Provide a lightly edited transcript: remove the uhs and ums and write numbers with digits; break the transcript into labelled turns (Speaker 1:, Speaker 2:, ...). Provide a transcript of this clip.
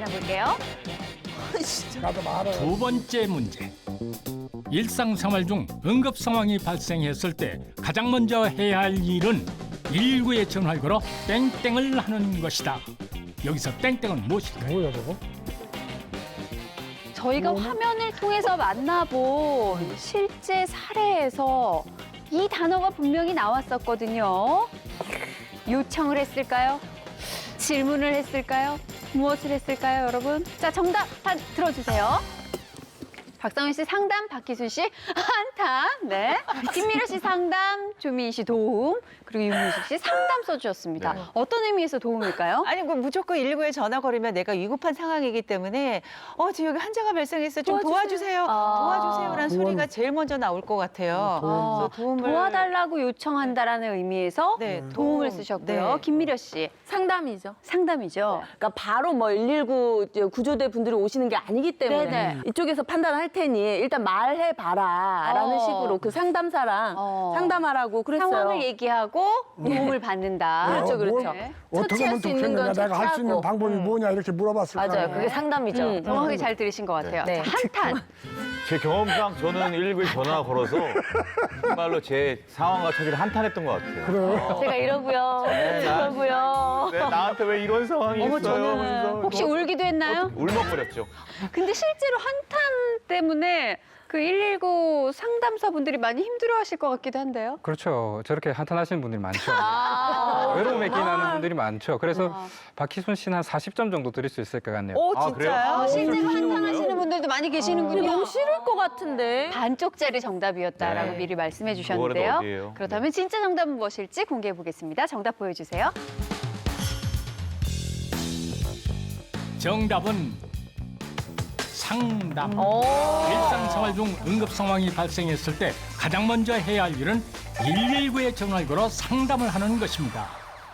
Speaker 1: 만나볼게요.
Speaker 2: 나도 말아.
Speaker 3: 두 번째 문제. 일상생활 중 응급 상황이 발생했을 때 가장 먼저 해야 할 일은 119에 전화를 걸어 땡땡을 하는 것이다. 여기서 땡땡은 무엇일까요?
Speaker 2: 뭐야 저거?
Speaker 1: 저희가 화면을 통해서 만나본 실제 사례에서 이 단어가 분명히 나왔었거든요. 요청을 했을까요? 질문을 했을까요? 무엇을 했을까요, 여러분? 자, 정답 들어주세요. 박상윤 씨 상담, 박희순 씨 한탄, 네. 김미려 씨 상담, 조민 씨 도움, 그리고 윤문식 씨 상담 써주셨습니다.
Speaker 4: 네.
Speaker 1: 어떤 의미에서 도움일까요?
Speaker 4: 아니, 그 무조건 119에 전화 걸으면 내가 위급한 상황이기 때문에 지금 여기 환자가 발생했어. 좀 도와주세요. 도와주세요라는 소리가 제일 먼저 나올 것 같아요. 그래서 도움을
Speaker 1: 도와달라고 요청한다라는 의미에서
Speaker 4: 네,
Speaker 1: 도움을 쓰셨고요.
Speaker 4: 네.
Speaker 1: 김미려 씨
Speaker 5: 상담이죠.
Speaker 1: 상담이죠.
Speaker 5: 그러니까 바로 뭐 119 이제 구조대 분들이 오시는 게 아니기 때문에
Speaker 1: 네네.
Speaker 5: 이쪽에서 판단할 테니 일단 말해봐라라는 식으로 그 상담사랑 상담하라고 그랬어요.
Speaker 1: 상황을 얘기하고 도움을 받는다.
Speaker 5: 그렇죠, 그렇죠.
Speaker 1: 네.
Speaker 2: 어떻게 하면
Speaker 5: 처치할 수 있는
Speaker 2: 좋겠느냐,
Speaker 5: 건
Speaker 2: 내가 할 수 있는
Speaker 5: 처치하고.
Speaker 2: 방법이 뭐냐 이렇게 물어봤을 거야.
Speaker 5: 맞아요. 그게 상담이죠.
Speaker 1: 정확하게 잘 들으신 것 같아요.
Speaker 5: 네.
Speaker 1: 자, 한탄.
Speaker 6: 제 경험상 저는 119에 전화 걸어서 정말로 제 상황과 처지를 한탄했던 것 같아요.
Speaker 2: 그래요?
Speaker 5: 제가 이러고요. 이러고요.
Speaker 6: 왜 나한테 왜 이런 상황이
Speaker 4: 어머,
Speaker 6: 있어요?
Speaker 4: 저는
Speaker 6: 그래서
Speaker 1: 혹시 울기도 했나요?
Speaker 6: 울먹거렸죠.
Speaker 1: 근데 실제로 한탄 때문에 그 119 상담사분들이 많이 힘들어하실 것 같기도 한데요.
Speaker 7: 그렇죠. 저렇게 한탄하시는 분들이 많죠. 외로움에 기인하는 분들이 많죠. 그래서 박희순 씨는 한 40점 정도 드릴 수 있을 것 같네요.
Speaker 4: 오,
Speaker 6: 아,
Speaker 4: 진짜요?
Speaker 6: 그래요?
Speaker 1: 실제로
Speaker 6: 그러시는
Speaker 1: 한탄하시는
Speaker 6: 건가요?
Speaker 1: 분들도 많이 계시는군요.
Speaker 5: 너무 싫을 것 같은데.
Speaker 1: 반쪽짜리 정답이었다라고
Speaker 6: 네.
Speaker 1: 미리 말씀해
Speaker 6: 그거라도
Speaker 1: 주셨는데요.
Speaker 6: 어디예요?
Speaker 1: 그렇다면 진짜 정답은 무엇일지 공개해 보겠습니다. 정답 보여주세요.
Speaker 3: 정답은 상담. 일상생활 중 응급 상황이 발생했을 때 가장 먼저 해야 할 일은 119에 전화를 걸어 상담을 하는 것입니다.